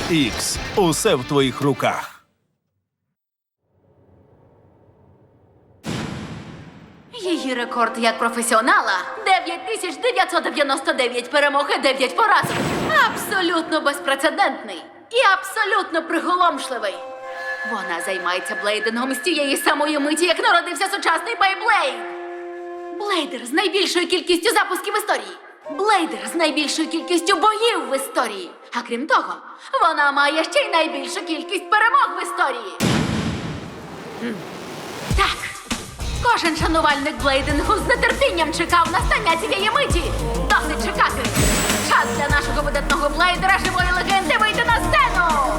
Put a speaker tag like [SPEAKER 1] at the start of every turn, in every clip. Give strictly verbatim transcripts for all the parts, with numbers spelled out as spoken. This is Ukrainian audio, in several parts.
[SPEAKER 1] Ікс. Усе в твоїх руках.
[SPEAKER 2] Її рекорд як професіонала – дев'ять тисяч дев'ятсот дев'яносто дев'ять перемог і дев'ять поразок. Абсолютно безпрецедентний і абсолютно приголомшливий. Вона займається блейдингом з тієї самої миті, як народився сучасний Бейблейд. Блейдер з найбільшою кількістю запусків в історії. Блейдер з найбільшою кількістю боїв в історії. А крім того, вона має ще й найбільшу кількість перемог в історії. Так. Кожен шанувальник блейдингу з нетерпінням чекав настання цієї миті. Досить чекати. Час для нашого видатного блейдера живої легенди вийти на сцену.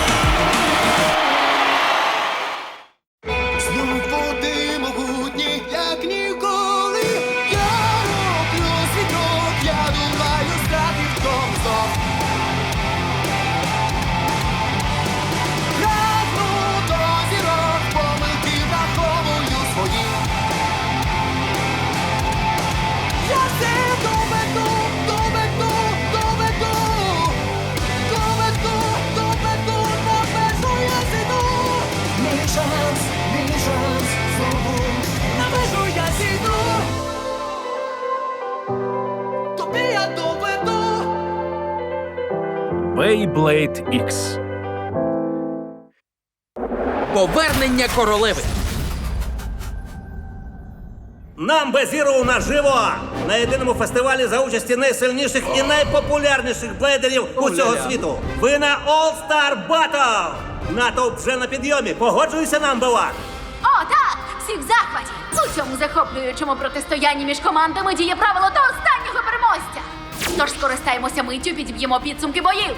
[SPEAKER 3] Знов води могутні, як ніколи. Я роблю світок, я думаю, стати в тому знов. Прагну до зірок, помилки враховую свої. Я все доведу, доведу, доведу. Доведу, доведу, на межу я зійду. Мій шанс, мій шанс, знову на межу я зійду. Тобі я доведу.
[SPEAKER 4] Beyblade Ікс.
[SPEAKER 5] Повернення королеви.
[SPEAKER 6] Number Zero наживо! На єдиному фестивалі за участі найсильніших і найпопулярніших блейдерів усього світу. Ви на All Star Battle! Натовп вже на підйомі. Погоджуйся, Number One!
[SPEAKER 2] О, так! Всі в захваті! У цьому захоплюючому протистоянні між командами діє правило до останнього переможця. Тож скористаємося миттю, підб'ємо підсумки боїв.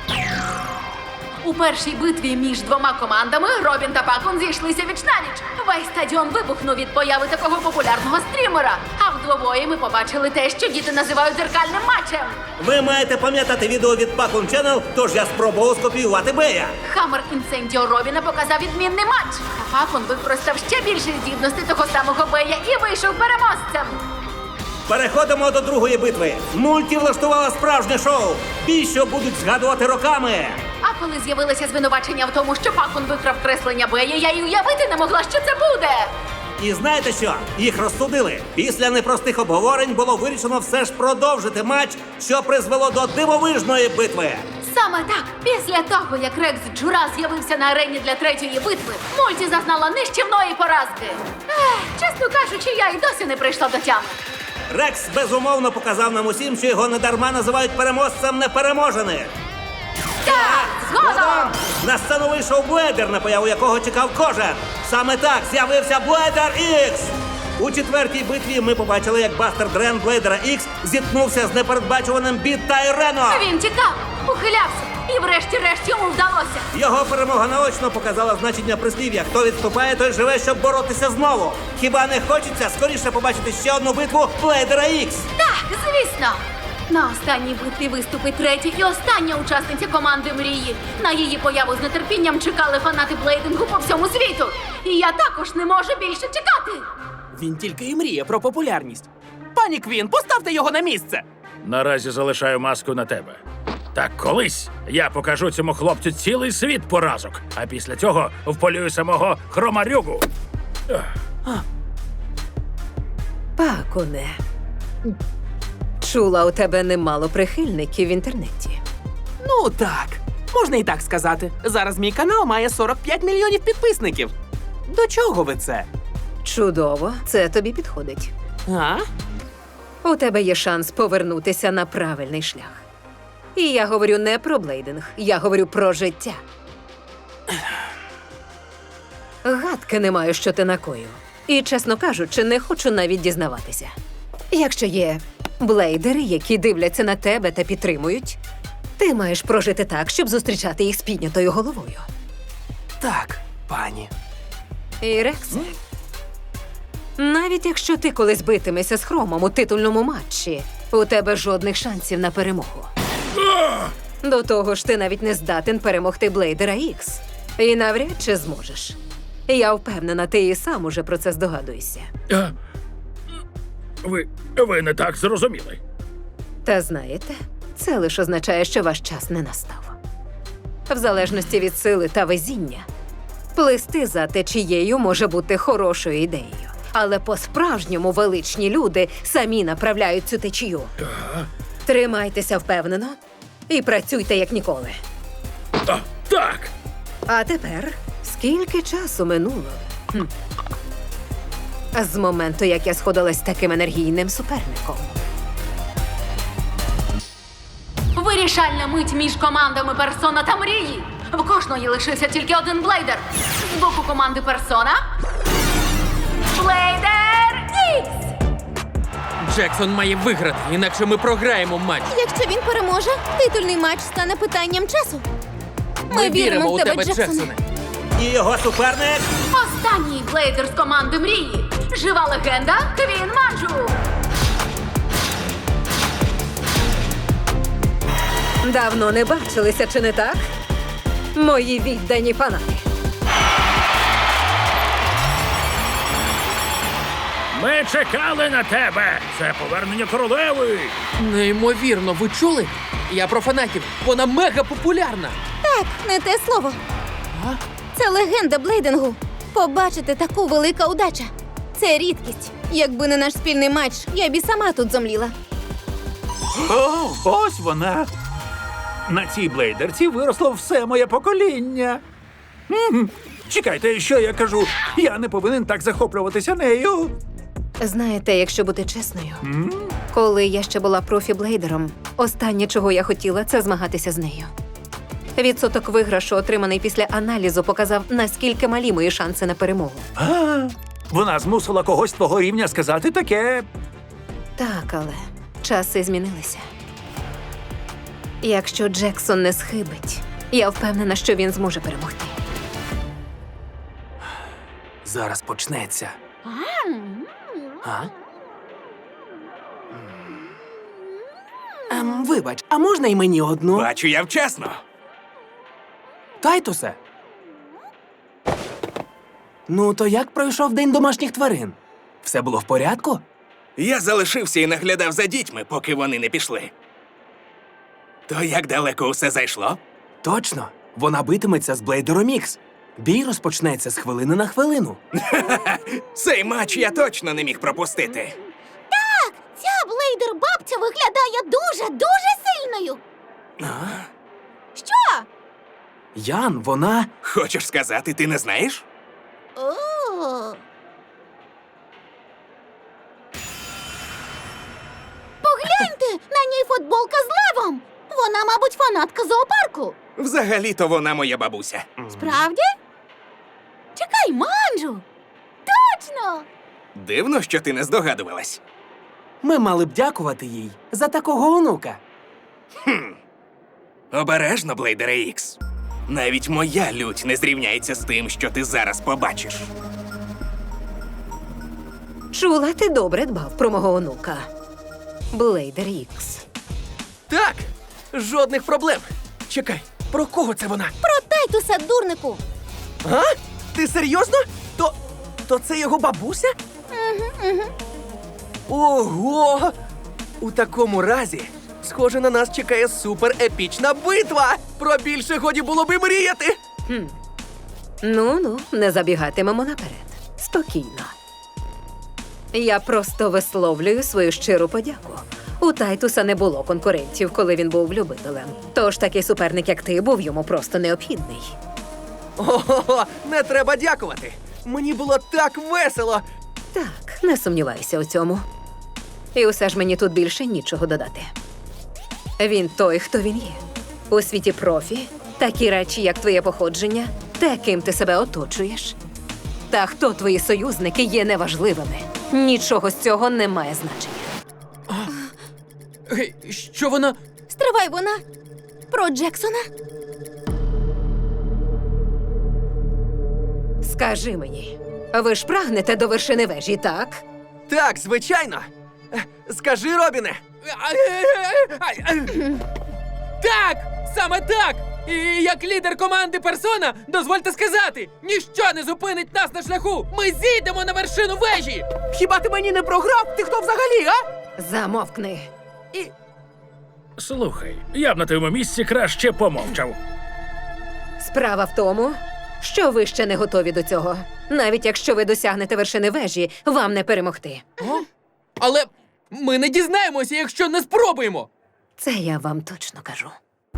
[SPEAKER 2] У першій битві між двома командами Робін та Пакун зійшлися віч-навіч. Весь стадіон вибухнув від появи такого популярного стрімера. А вдвобої ми побачили те, що діти називають дзеркальним матчем.
[SPEAKER 6] Ви маєте пам'ятати відео від Pacun Channel, тож я спробував скопіювати Бея.
[SPEAKER 2] Хаммер Інсендіо Робіна показав відмінний матч. А Пакун використав ще більше здібностей того самого Бея і вийшов переможцем.
[SPEAKER 6] Переходимо до другої битви. Мульті влаштувала справжнє шоу. Бій, що будуть згадувати роками.
[SPEAKER 2] А коли з'явилися звинувачення в тому, що Пакун викрав креслення Бея, я й уявити не могла, що це буде.
[SPEAKER 6] І знаєте що? Їх розсудили. Після непростих обговорень було вирішено все ж продовжити матч, що призвело до дивовижної битви.
[SPEAKER 2] Саме так, після того, як Рекс Джура з'явився на арені для третьої битви, Мульті зазнала нищівної поразки. Ех, чесно кажучи, я й досі не прийшла до тями.
[SPEAKER 6] Рекс безумовно показав нам усім, що його недарма називають переможцем непереможених.
[SPEAKER 2] Так, згодом!
[SPEAKER 6] На сцену вийшов Блейдер, на появу якого чекав кожен. Саме так з'явився Блейдер Ікс. У четвертій битві ми побачили, як Бастер Дрен Блейдера Ікс зіткнувся з непередбачуваним Біт Тайрено.
[SPEAKER 2] Він тікав, ухилявся, і врешті-решт йому вдалося.
[SPEAKER 6] Його перемога наочно показала значення прислів'я. Хто відступає, той живе, щоб боротися знову. Хіба не хочеться скоріше побачити ще одну битву Блейдера Ікс?
[SPEAKER 2] Так, звісно. На останній битві виступить третя і остання учасниця команди Мрії. На її появу з нетерпінням чекали фанати блейдингу по всьому світу. І я також не можу більше чекати.
[SPEAKER 5] Він тільки і мріє про популярність. Пані Квін, поставте його на місце.
[SPEAKER 4] Наразі залишаю маску на тебе. Так колись я покажу цьому хлопцю цілий світ поразок, а після цього вполюю самого Хромарюгу.
[SPEAKER 7] Пакуне, чула, у тебе немало прихильників в інтернеті.
[SPEAKER 5] Ну так, можна і так сказати. Зараз мій канал має сорок п'ять мільйонів підписників. До чого ви це?
[SPEAKER 7] Чудово, це тобі підходить.
[SPEAKER 5] А?
[SPEAKER 7] У тебе є шанс повернутися на правильний шлях. І я говорю не про блейдинг, я говорю про життя. Гадки не маю, що ти накоїв. І, чесно кажучи, не хочу навіть дізнаватися. Якщо є блейдери, які дивляться на тебе та підтримують, ти маєш прожити так, щоб зустрічати їх з піднятою головою.
[SPEAKER 5] Так, пані.
[SPEAKER 7] І, Рексе, навіть якщо ти колись битимешся з Хромом у титульному матчі, у тебе жодних шансів на перемогу. До того ж, ти навіть не здатен перемогти Блейдера Ікс. І навряд чи зможеш. Я впевнена, ти і сам уже про це здогадуєшся.
[SPEAKER 4] А, ви, ви не так зрозуміли.
[SPEAKER 7] Та знаєте, це лише означає, що ваш час не настав. в залежності від сили та везіння. Плисти за течією може бути хорошою ідеєю. Але по-справжньому величні люди самі направляють цю течію. Тримайтеся впевнено і працюйте як ніколи.
[SPEAKER 4] А, так!
[SPEAKER 7] А тепер, скільки часу минуло? Хм. З моменту, як я сходилась з таким енергійним суперником.
[SPEAKER 2] Вирішальна мить між командами Персона та Мрії. В кожної лишився тільки один блейдер. З боку команди Персона Блейдер Ікс!
[SPEAKER 8] Джексон має виграти, інакше ми програємо матч.
[SPEAKER 9] Якщо він переможе, титульний матч стане питанням часу. Ми,
[SPEAKER 8] віримо у тебе,
[SPEAKER 9] Джексоне.
[SPEAKER 8] Джексоне.
[SPEAKER 6] І його суперник
[SPEAKER 2] Останній блейдер з команди Мрії. Жива легенда Квін Манджу.
[SPEAKER 7] Давно не бачилися, чи не так? Мої віддані фанати.
[SPEAKER 4] Ми чекали на тебе! Це повернення королеви!
[SPEAKER 8] Неймовірно, ви чули? Я про фанатів. Вона мега популярна.
[SPEAKER 9] Так, не те слово. Це легенда блейдингу. Побачити таку велика удача. Це рідкість. Якби не наш спільний матч, я б і сама тут зомліла.
[SPEAKER 10] О, ось вона. На цій блейдерці виросло все моє покоління. М, Чекайте, що я кажу? Я не повинен так захоплюватися нею.
[SPEAKER 7] Знаєте, якщо бути чесною, коли я ще була профі-блейдером, останнє, чого я хотіла, це змагатися з нею. Відсоток виграшу, отриманий після аналізу, показав, наскільки малі мої шанси на перемогу.
[SPEAKER 10] А, вона змусила когось твого рівня сказати таке.
[SPEAKER 7] Так, але часи змінилися. Якщо Джексон не схибить, я впевнена, що він зможе перемогти.
[SPEAKER 5] Зараз почнеться. А? Ем, вибач, а можна й мені одну?
[SPEAKER 11] Бачу я вчасно.
[SPEAKER 5] Тайтусе? Ну, то як пройшов день домашніх тварин? Все було в порядку?
[SPEAKER 11] Я залишився і наглядав за дітьми, поки вони не пішли. То як далеко усе зайшло?
[SPEAKER 5] Точно. Вона битиметься з Блейдером Ікс. Бій розпочнеться з хвилини на хвилину.
[SPEAKER 11] Цей матч я точно не міг пропустити.
[SPEAKER 9] Ця блейдер-бабця виглядає дуже-дуже сильною. Що?
[SPEAKER 5] Ян, вона...
[SPEAKER 11] Хочеш сказати, ти не знаєш?
[SPEAKER 9] О. Погляньте, на ній футболка з левом. Вона, мабуть, фанатка зоопарку.
[SPEAKER 11] Взагалі-то вона моя бабуся.
[SPEAKER 9] Справді? Чекай, Манджу! Точно!
[SPEAKER 11] Дивно, що ти не здогадувалась.
[SPEAKER 5] Ми мали б дякувати їй за такого онука.
[SPEAKER 11] Обережно, Блейдере Ікс. Навіть моя лють не зрівняється з тим, що ти зараз побачиш.
[SPEAKER 7] Чула, ти добре дбав про мого онука. Блейдер Ікс.
[SPEAKER 5] Так, жодних проблем. Чекай, про кого це вона?
[SPEAKER 9] Про Тайтуса, дурнику!
[SPEAKER 5] А? Ти серйозно? То, то це його бабуся?
[SPEAKER 9] Угу, угу.
[SPEAKER 5] Ого! У такому разі, схоже, на нас чекає супер-епічна битва! Про більше годі було би мріяти!
[SPEAKER 7] Ну-ну, не забігатимемо наперед. Спокійно. Я просто висловлюю свою щиру подяку. У Тайтуса не було конкурентів, коли він був любителем. Тож такий суперник, як ти, був йому просто необхідний.
[SPEAKER 5] Ого, не треба дякувати! Мені було так весело!
[SPEAKER 7] Так, не сумнівайся у цьому. І усе ж мені тут більше нічого додати. Він той, хто він є. У світі профі такі речі, як твоє походження, те, ким ти себе оточуєш. Та хто твої союзники, є неважливими. Нічого з цього не має значення.
[SPEAKER 8] Гей, що вона?
[SPEAKER 9] Стривай, вона про Джексона?
[SPEAKER 7] Скажи мені, ви ж прагнете до вершини вежі, так?
[SPEAKER 5] Так, звичайно! Е, Скажи, Робіне!
[SPEAKER 8] Так! Саме так! І як лідер команди Персона, дозвольте сказати, ніщо не зупинить нас на шляху! Ми зійдемо на вершину вежі!
[SPEAKER 5] Хіба ти мені не програв? Ти хто взагалі, а?
[SPEAKER 7] Замовкни.
[SPEAKER 5] І...
[SPEAKER 4] Слухай, я б на твоєму місці краще помовчав.
[SPEAKER 7] Справа в тому, що ви ще не готові до цього. Навіть якщо ви досягнете вершини вежі, вам не перемогти.
[SPEAKER 8] О? Але ми не дізнаємося, якщо не спробуємо.
[SPEAKER 7] Це я вам точно кажу.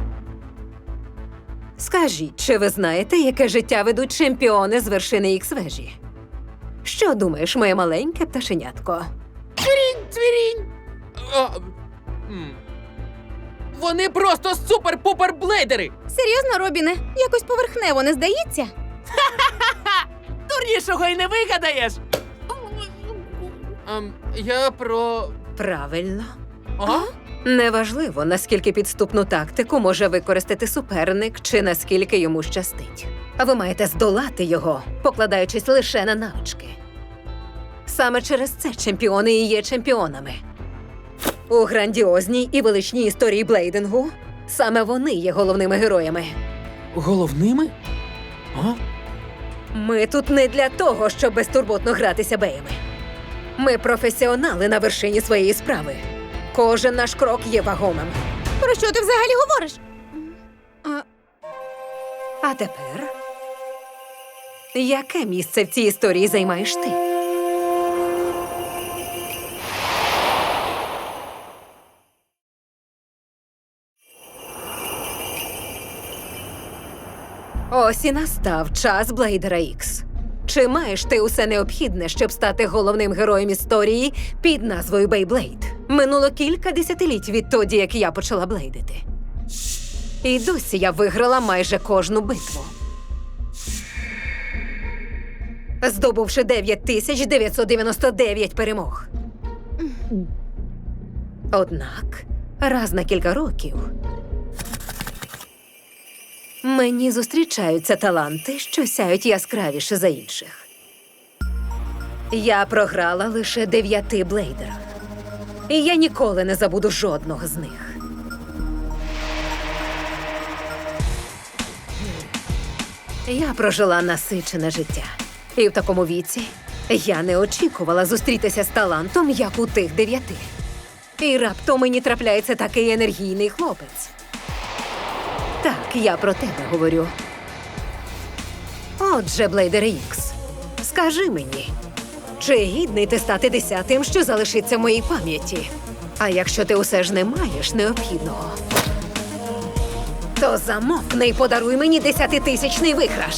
[SPEAKER 7] Скажіть, чи ви знаєте, яке життя ведуть чемпіони з вершини Ікс-вежі? Що думаєш, моє маленьке пташенятко?
[SPEAKER 8] Цвірінь, цвірінь. А, м. Вони просто супер-пупер-блейдери.
[SPEAKER 9] Серйозно, Робіне? Якось поверхнево не здається?
[SPEAKER 5] Дурнішого й не вигадаєш!
[SPEAKER 8] Ем, я про.
[SPEAKER 7] Правильно.
[SPEAKER 8] А?
[SPEAKER 7] Неважливо, наскільки підступну тактику може використати суперник чи наскільки йому щастить. А ви маєте здолати його, покладаючись лише на навички. Саме через це чемпіони і є чемпіонами. У грандіозній і величній історії блейдингу саме вони є головними героями.
[SPEAKER 8] Головними? А?
[SPEAKER 7] Ми тут не для того, щоб безтурботно гратися беями. Ми професіонали на вершині своєї справи. Кожен наш крок є вагомим.
[SPEAKER 9] Про що ти взагалі говориш? А,
[SPEAKER 7] А тепер, яке місце в цій історії займаєш ти? Ось і настав час Блейдера Ікс. Чи маєш ти усе необхідне, щоб стати головним героєм історії під назвою Бейблейд? Минуло кілька десятиліть відтоді, як я почала блейдити. І досі я виграла майже кожну битву. Здобувши дев'ять тисяч дев'ятсот дев'яносто дев'ять перемог. Однак, раз на кілька років мені зустрічаються таланти, що сяють яскравіше за інших. Я програла лише дев'яти блейдерах. І я ніколи не забуду жодного з них. Я прожила насичене життя. І в такому віці я не очікувала зустрітися з талантом, як у тих дев'яти. І раптом мені трапляється такий енергійний хлопець. Так, я про тебе говорю. Отже, Блейдере Ікс, скажи мені, чи гідний ти стати десятим, що залишиться в моїй пам'яті? А якщо ти усе ж не маєш необхідного, то замовкни і подаруй мені десятитисячний виграш.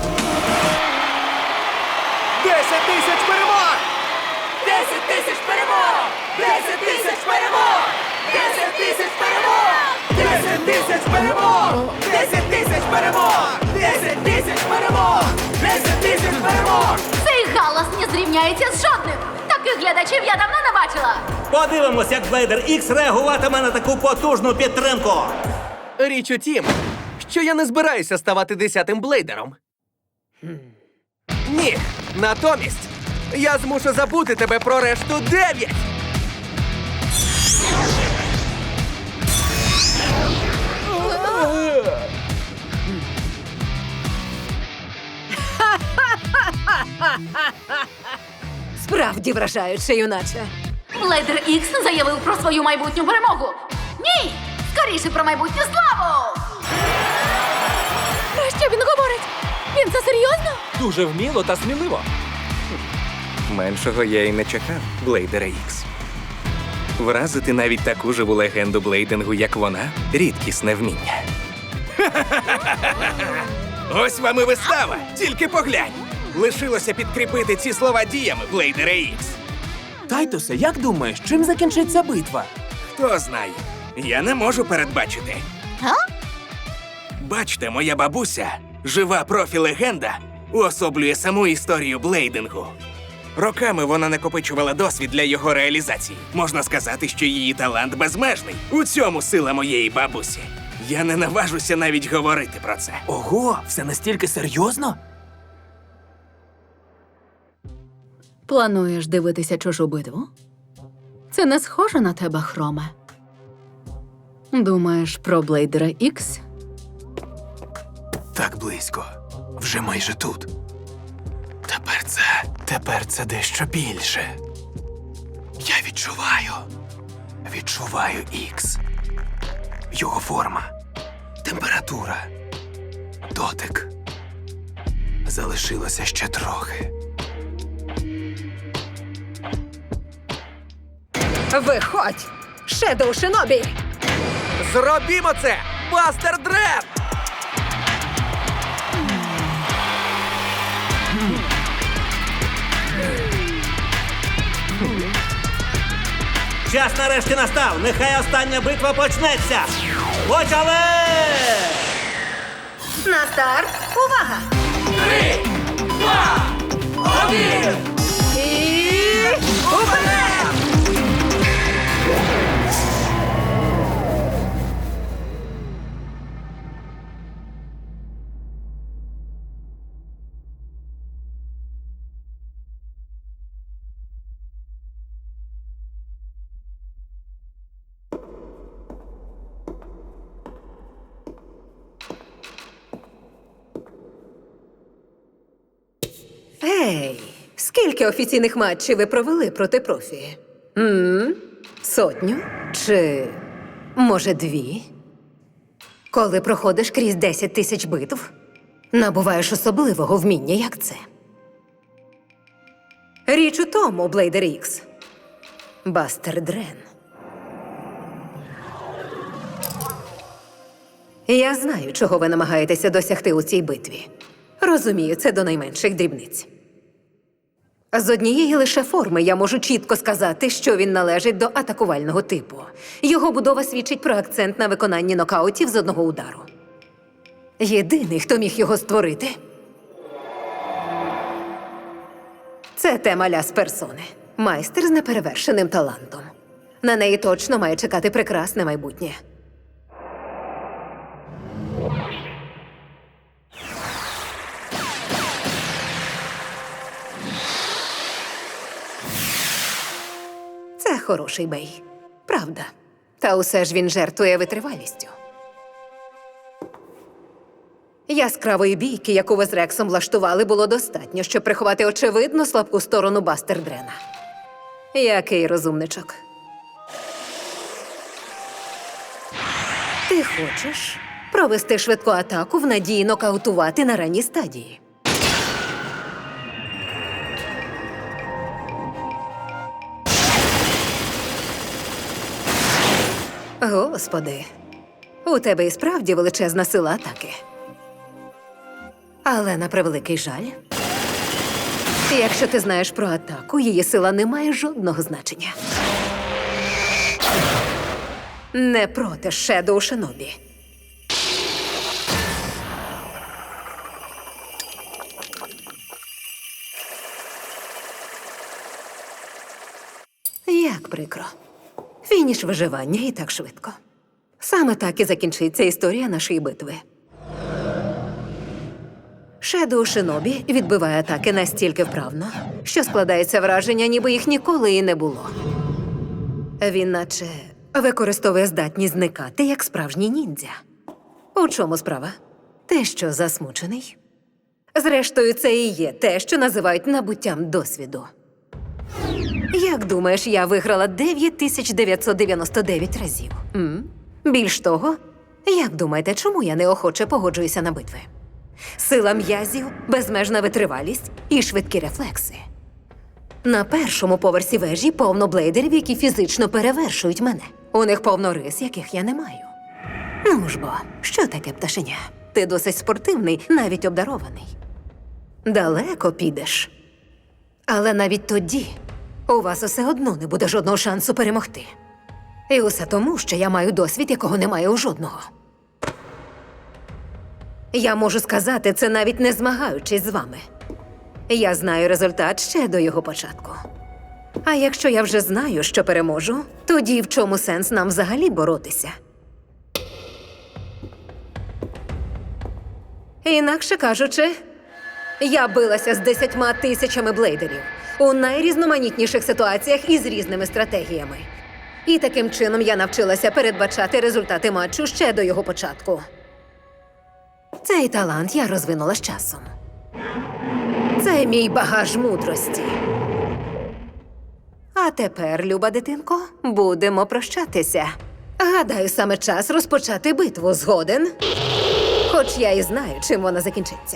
[SPEAKER 5] Десять тисяч перемог! Десять тисяч перемог! Десять тисяч перемог! Десять тисяч перемог! Десять тисяч перемог! Десять тисяч перемог! Десять тисяч перемог! Десять тисяч перемог!
[SPEAKER 2] Цей галас не зрівняється з жодним. Таких глядачів я давно не бачила.
[SPEAKER 6] Подивимось, як Блейдер Ікс реагуватиме на таку потужну підтримку.
[SPEAKER 5] Річ у тім, що я не збираюся ставати десятим блейдером. Ні, натомість я змушу забути тебе про решту дев'ять.
[SPEAKER 7] Справді вражаюче, юначе.
[SPEAKER 2] Блейдер Ікс заявив про свою майбутню перемогу. Ні! Скоріше про майбутню славу!
[SPEAKER 9] про що він говорить? Він це серйозно?
[SPEAKER 8] Дуже вміло та сміливо.
[SPEAKER 11] Меншого я й не чекав, Блейдера Ікс. Вразити навіть таку живу легенду блейдингу, як вона, рідкісне вміння. Ось вам і вистава, тільки поглянь. Лишилося підкріпити ці слова діями, Блейдера Ікс.
[SPEAKER 5] Тайтусе, як думаєш, чим закінчиться битва?
[SPEAKER 11] Хто знає, я не можу передбачити. Бачте, моя бабуся, жива профі-легенда, уособлює саму історію блейдингу. Роками вона накопичувала досвід для його реалізації. Можна сказати, що її талант безмежний. У цьому сила моєї бабусі. Я не наважуся навіть говорити про це.
[SPEAKER 5] Ого, все настільки серйозно?
[SPEAKER 2] Плануєш дивитися чужу битву? Це не схоже на тебе, Хроме. Думаєш про Блейдера Ікс?
[SPEAKER 12] Так близько. Вже майже тут. Тепер це... Тепер це дещо більше. Я відчуваю. Відчуваю Ікс. Його форма. Температура. дотик. Залишилося ще трохи.
[SPEAKER 7] Виходь! Шедоу Шинобі!
[SPEAKER 5] Зробімо це! Бастер Дрен!
[SPEAKER 6] Час нарешті настав. Нехай остання битва почнеться. Почали!
[SPEAKER 7] На старт! Увага!
[SPEAKER 5] Три, два, один!
[SPEAKER 7] І... Уперед! Ей, скільки офіційних матчів ви провели проти профі? м Сотню? Чи, може, дві? Коли проходиш крізь десять тисяч битв, набуваєш особливого вміння, як це. Річ у тому, Блейдер Ікс. Бастер Дрен. Я знаю, чого ви намагаєтеся досягти у цій битві. Розумію, це до найменших дрібниць. З однієї лише форми я можу чітко сказати, що він належить до атакувального типу. Його будова свідчить про акцент на виконанні нокаутів з одного удару. Єдиний, хто міг його створити – це тема ля з персони. Майстер з неперевершеним талантом. На неї точно має чекати прекрасне майбутнє. Це хороший бей. Правда. Та усе ж він жертвує витривалістю. Яскравої бійки, яку ви з Рексом влаштували, було достатньо, щоб приховати очевидно слабку сторону Бастер Дрена. Який розумничок. Ти хочеш провести швидку атаку в надії нокаутувати на ранній стадії. Господи, у тебе і справді величезна сила атаки. Але на превеликий жаль, якщо ти знаєш про атаку, її сила не має жодного значення. Не проти Шедоу Шинобі. Як прикро. Фініш виживання і так швидко. Саме так і закінчиться історія нашої битви. Шедоу Шинобі відбиває атаки настільки вправно, що складається враження, ніби їх ніколи і не було. Він наче використовує здатність зникати, як справжній ніндзя. У чому справа? Те, що засмучений? Зрештою, це і є те, що називають набуттям досвіду. Як думаєш, я виграла дев'ять тисяч дев'ятсот дев'яносто дев'ять разів? М? Більш того, як думаєте, чому я неохоче погоджуюся на битви? Сила м'язів, безмежна витривалість і швидкі рефлекси. На першому поверсі вежі повно блейдерів, які фізично перевершують мене. У них повно рис, яких я не маю. Ну ж бо, що таке пташеня? Ти досить спортивний, навіть обдарований. Далеко підеш. Але навіть тоді у вас усе одно не буде жодного шансу перемогти. І усе тому, що я маю досвід, якого немає у жодного. Я можу сказати це, навіть не змагаючись з вами. Я знаю результат ще до його початку. А якщо я вже знаю, що переможу, тоді в чому сенс нам взагалі боротися? Інакше кажучи, я билася з десятьма тисячами блейдерів у найрізноманітніших ситуаціях і з різними стратегіями. І таким чином я навчилася передбачати результати матчу ще до його початку. Цей талант я розвинула з часом. Це мій багаж мудрості. А тепер, люба дитинко, будемо прощатися. Гадаю, саме час розпочати битву. Згоден? Хоч я і знаю, чим вона закінчиться.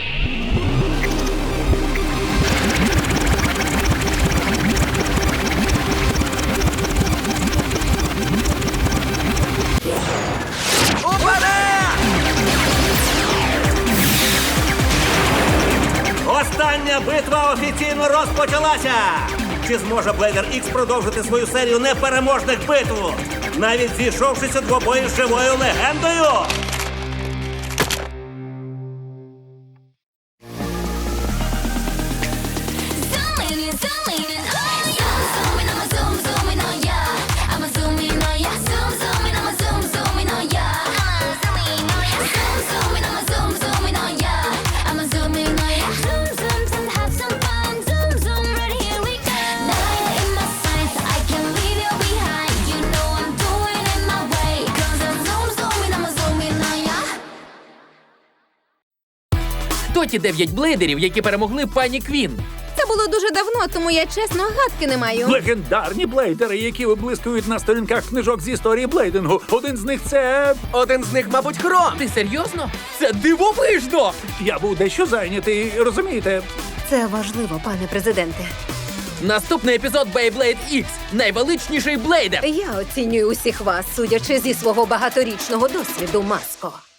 [SPEAKER 6] Остання битва офіційно розпочалася! Чи зможе Блейдер Ікс продовжити свою серію непереможних битв, навіть зійшовшись у двобої з живою легендою?
[SPEAKER 8] Хто ті дев'ять блейдерів, які перемогли пані Квін?
[SPEAKER 9] Це було дуже давно, тому я чесно гадки не маю.
[SPEAKER 10] Легендарні блейдери, які виблискують на сторінках книжок з історії блейдингу. Один з них це...
[SPEAKER 5] Один з них, мабуть, Хром.
[SPEAKER 8] Ти серйозно? Це дивовижно!
[SPEAKER 10] Я був дещо зайнятий, розумієте?
[SPEAKER 7] Це важливо, пане президенте.
[SPEAKER 8] Наступний епізод Beyblade X. Найвеличніший блейдер.
[SPEAKER 7] Я оцінюю усіх вас, судячи зі свого багаторічного досвіду, Маско.